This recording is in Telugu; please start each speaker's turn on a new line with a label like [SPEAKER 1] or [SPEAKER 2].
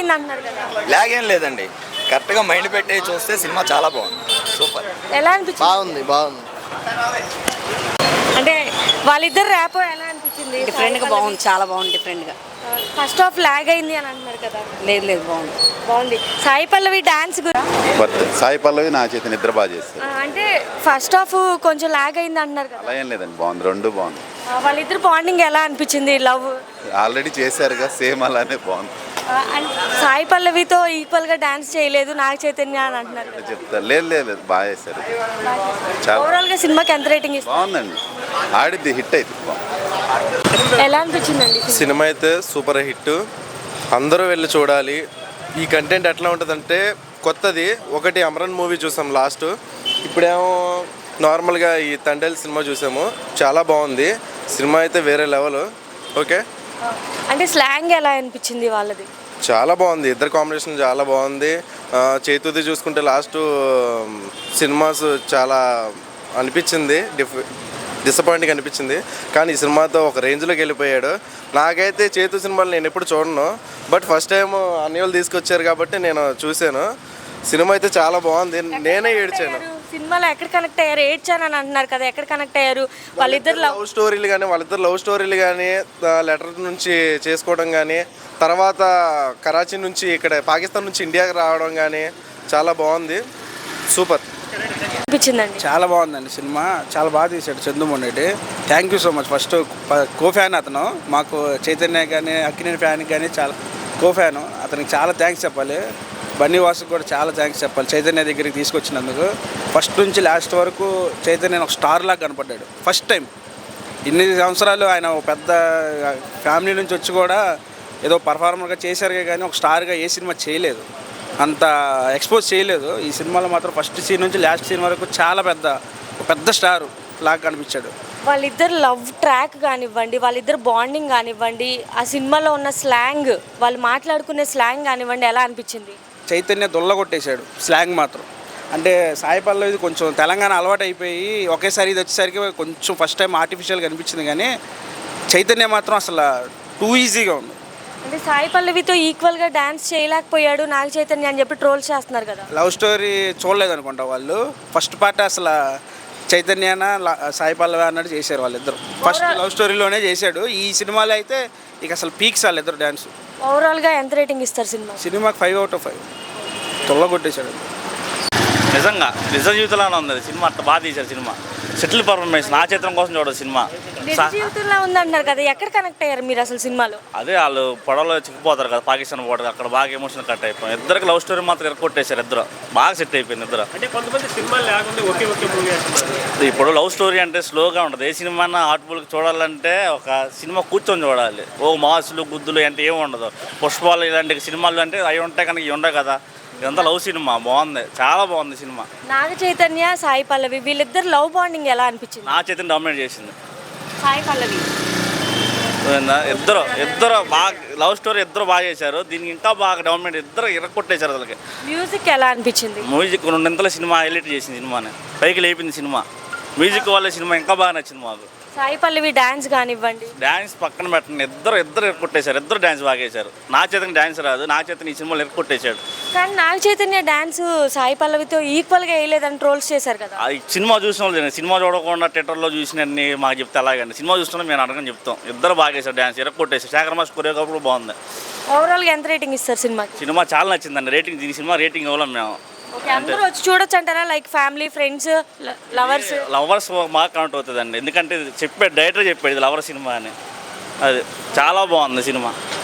[SPEAKER 1] అయింది అంటున్నారు కదా.
[SPEAKER 2] లాగ్ ఏం లేదండి, కరెక్ట్గా మైండ్ పెట్టి చూస్తే సినిమా చాలా బాగుంది, సూపర్.
[SPEAKER 1] ఎలా అనిపించింది?
[SPEAKER 3] బాగుంది.
[SPEAKER 1] అంటే వాళ్ళిద్దరు ర్యాప్ ఎలా అనిపించింది?
[SPEAKER 4] డిఫరెంట్గా బాగుంది, చాలా బాగుంది డిఫరెంట్గా.
[SPEAKER 1] ఫస్ట్ హాఫ్ లాగ్ అయింది అని అంటున్నారు కదా.
[SPEAKER 4] లేదు
[SPEAKER 1] బాగుంది. సాయి పల్లవి డాన్స్
[SPEAKER 5] సాయి పల్లవి నా చేతి నిద్ర బాగా చేస్తారు.
[SPEAKER 1] అంటే ఫస్ట్ హాఫ్ కొంచెం లాగ్ అయింది అంటున్నారు కదా.
[SPEAKER 5] అలా ఏం లేదండి, బాగుంది, రెండు బాగుంది.
[SPEAKER 1] వాళ్ళిద్దరు బాండింగ్ ఎలా అనిపించింది? లవ్
[SPEAKER 5] ఆల్రెడీ చేశారుగా, సేమ్ అలానే బాగుంది.
[SPEAKER 1] సాయి పల్లవితో ఈక్వల్ గా డాన్స్ చేయలేదు నాగ చైతన్య అని అంటున్నారు.
[SPEAKER 5] చెప్తారు, లేదు బాగా చేశారు. చాలా
[SPEAKER 1] ఓవరాల్ గా సినిమాకి ఎంత రేటింగ్ ఇస్తారు?
[SPEAKER 5] బాగుందండి, ఆడిద్ది, హిట్ అయితే
[SPEAKER 1] ఎలా అనిపించిందండి
[SPEAKER 6] సినిమా? అయితే సూపర్ హిట్, అందరూ వెళ్ళి చూడాలి. ఈ కంటెంట్ ఎట్లా ఉంటుందంటే కొత్తది. ఒకటి అమరన్ మూవీ చూసాం లాస్ట్, ఇప్పుడేమో నార్మల్గా ఈ తండేల్ సినిమా చూసాము, చాలా బాగుంది సినిమా అయితే, వేరే లెవెల్. ఓకే,
[SPEAKER 1] అంటే స్లాంగ్ ఎలా అనిపించింది వాళ్ళది?
[SPEAKER 6] చాలా బాగుంది, ఇద్దరు కాంబినేషన్ చాలా బాగుంది. చేతుది చూసుకుంటే లాస్ట్ సినిమాస్ చాలా అనిపించింది, డిసప్పాయింటింగ్ అనిపించింది. కానీ ఈ సినిమాతో ఒక రేంజ్లోకి వెళ్ళిపోయాడు. నాకైతే చేతు సినిమాలు నేను ఎప్పుడు చూడను, బట్ ఫస్ట్ టైం అన్నివాళ్ళు తీసుకొచ్చారు కాబట్టి నేను చూశాను. సినిమా అయితే చాలా బాగుంది, నేనే ఏడ్చాను.
[SPEAKER 1] సినిమాలో ఎక్కడ కనెక్ట్ అయ్యారు? ఏడ్చాను అని అంటున్నారు కదా, ఎక్కడ కనెక్ట్ అయ్యారు? వాళ్ళిద్దరు
[SPEAKER 6] లవ్ స్టోరీలు కానీ లెటర్ నుంచి చేసుకోవడం కానీ, తర్వాత కరాచీ నుంచి ఇక్కడ పాకిస్తాన్ నుంచి ఇండియాకి రావడం కానీ చాలా బాగుంది, సూపర్
[SPEAKER 1] అనిపించిందండి.
[SPEAKER 3] చాలా బాగుందండి సినిమా, చాలా బాగా తీశాడు Chandoo Mondeti. Thank you so much. First co fan అతను, మాకు చైతన్య కానీ అక్కినేని ఫ్యాన్ కానీ చాలా కో ఫ్యాను, అతనికి చాలా థ్యాంక్స్ చెప్పాలి. బన్నీ వాసుకు కూడా చాలా థ్యాంక్స్ చెప్పాలి చైతన్య దగ్గరికి తీసుకొచ్చినందుకు. ఫస్ట్ నుంచి లాస్ట్ వరకు చైతన్య ఒక స్టార్ లాగా కనపడ్డాడు ఫస్ట్ టైం. ఇన్ని సంవత్సరాలు ఆయన ఒక పెద్ద ఫ్యామిలీ నుంచి వచ్చి కూడా ఏదో పర్ఫార్మర్గా చేశారు కానీ ఒక స్టార్గా ఏ సినిమా చేయలేదు, అంత ఎక్స్పోజ్ చేయలేదు. ఈ సినిమాలో మాత్రం ఫస్ట్ సీన్ నుంచి లాస్ట్ సీన్ వరకు చాలా పెద్ద స్టార్ లాగా కనిపించాడు.
[SPEAKER 1] వాళ్ళిద్దరు లవ్ ట్రాక్ కానివ్వండి, వాళ్ళిద్దరు బాండింగ్ కానివ్వండి, ఆ సినిమాలో ఉన్న స్లాంగ్, వాళ్ళు మాట్లాడుకునే స్లాంగ్ కానివ్వండి, ఎలా అనిపించింది?
[SPEAKER 3] చైతన్య దొల్లగొట్టేశాడు స్లాంగ్ మాత్రం. అంటే సాయి పల్లవి కొంచెం తెలంగాణ అలవాటు అయిపోయి ఒకేసారి ఇది వచ్చేసరికి కొంచెం ఫస్ట్ టైం ఆర్టిఫిషియల్గా అనిపించింది, కానీ చైతన్య మాత్రం అసలు టూ ఈజీగా ఉంది.
[SPEAKER 1] అంటే సాయి పల్లవితో ఈక్వల్గా డాన్స్ చేయలేకపోయాడు నాగ చైతన్య అని చెప్పి ట్రోల్స్ చేస్తున్నారు కదా.
[SPEAKER 3] లవ్ స్టోరీ చూడలేదు అనుకుంటా వాళ్ళు. ఫస్ట్ పార్ట్ అసలు చైతన్యన సాయి పల్లవి అన్నట్టు చేశారు వాళ్ళిద్దరు. ఫస్ట్ లవ్ స్టోరీలోనే చేశాడు. ఈ సినిమాలో అయితే ఇక అసలు పీక్స్ వాళ్ళిద్దరు డ్యాన్స్.
[SPEAKER 1] ఓవరాల్గా ఎంత రేటింగ్ ఇస్తారు
[SPEAKER 3] సినిమాకి 5/5 తొల్లగొట్టేశాడు.
[SPEAKER 7] నిజంగా నిజ జీవితంలోనే ఉంది సినిమా, అట్లా బాగా తీశారు సినిమా. సెటిల్ పర్ఫార్మెన్స్, నా చిత్రం కోసం చూడదు సినిమా.
[SPEAKER 1] జీవితంలో ఉందంటున్నారు కదా, ఎక్కడ కనెక్ట్ అయ్యారు మీరు అసలు సినిమాలో?
[SPEAKER 7] అదే వాళ్ళు పడవలో చిక్కిపోతారు కదా, పాకిస్తాన్ పోతారు, అక్కడ బాగా ఎమోషన్ కట్ అయిపోయింది. ఇద్దరికి లవ్ స్టోరీ మాత్రం ఎరకొట్టేశారు, ఇద్దరు బాగా సెట్ అయిపోయింది ఇద్దరు.
[SPEAKER 8] అంటే కొంతమంది సినిమా లేకుండా ఒకే మూవీ.
[SPEAKER 7] ఇప్పుడు లవ్ స్టోరీ అంటే స్లోగా ఉంటుంది. ఏ సినిమా హార్ట్ఫుల్గా చూడాలంటే ఒక సినిమా కూర్చొని చూడాలి. ఓ మాసులు గుద్దులు అంటే ఏమి ఉండదు. పుష్పాలు ఇలాంటి సినిమాలు అంటే అవి ఉంటాయి, కనుక ఇవి ఉండవు కదా. ఇదంతా లవ్ సినిమా, బాగుంది, చాలా బాగుంది సినిమా.
[SPEAKER 1] నాగ చైతన్య సాయి పల్లవి వీళ్ళిద్దరు లవ్ బాండింగ్ ఎలా అనిపించింది?
[SPEAKER 7] నా చైతన్య డామినేట్ చేసింది.
[SPEAKER 1] సాయి పల్లవి
[SPEAKER 7] ఇద్దరు బాగా లవ్ స్టోరీ, ఇద్దరు బాగా చేశారు. దీనికి ఇంకా బాగా డామినేట్, ఇద్దరు ఇరక్కొట్టేశారు. అసలుకి
[SPEAKER 1] మ్యూజిక్ ఎలా అనిపించింది?
[SPEAKER 7] మ్యూజిక్ రెండింతల సినిమా హైలైట్ చేసింది, సినిమాని పైకి లేపింది సినిమా. మ్యూజిక్ వల్ల సినిమా ఇంకా బాగా నచ్చింది మాకు.
[SPEAKER 1] సాయి పల్లవి డాన్స్ కానివ్వండి,
[SPEAKER 7] డాన్స్ పక్కన పెట్టండి, ఇద్దరు ఎరకొట్టేశారు. ఇద్దరు డాన్స్ బాగా చేశారు. నా చైతన్య డాన్స్ రాదు, నా చైతన్య ఈ సినిమాలో ఎరకొట్టేశాడు.
[SPEAKER 1] కానీ నాగ చైతన్య డాన్స్ సాయి పల్లవితో ఈక్వల్గా వేయలేదని ట్రోల్స్ చేశారు కదా.
[SPEAKER 7] సినిమా చూసిన వాళ్ళు, సినిమా చూడకుండా థియేటర్లో చూసినన్ని మాకు చెప్తే అలాగండి. సినిమా చూస్తున్నా మేము అడగని చెప్తాం. ఇద్దరు బాగా చేశారు డాన్స్, ఎరకొట్టేశారు. శేఖర్ మాస్ కొరియోగ్రాఫర్ బాగుంది.
[SPEAKER 1] ఓవరాల్గా ఎంత రేటింగ్ ఇస్తారు సినిమాకి?
[SPEAKER 7] సినిమా చాలా నచ్చిందండి. రేటింగ్, దీని సినిమా రేటింగ్ ఇవ్వలేం మేము.
[SPEAKER 1] అందరూ వచ్చి చూడొచ్చు అంటారా? లైక్ ఫ్యామిలీ, ఫ్రెండ్స్,
[SPEAKER 7] లవర్స్ బాగా కనెక్ట్ అవుతుందండి. ఎందుకంటే డైరెక్టర్ చెప్పాడు ఇది లవర్ సినిమా అని. అది చాలా బాగుంది సినిమా.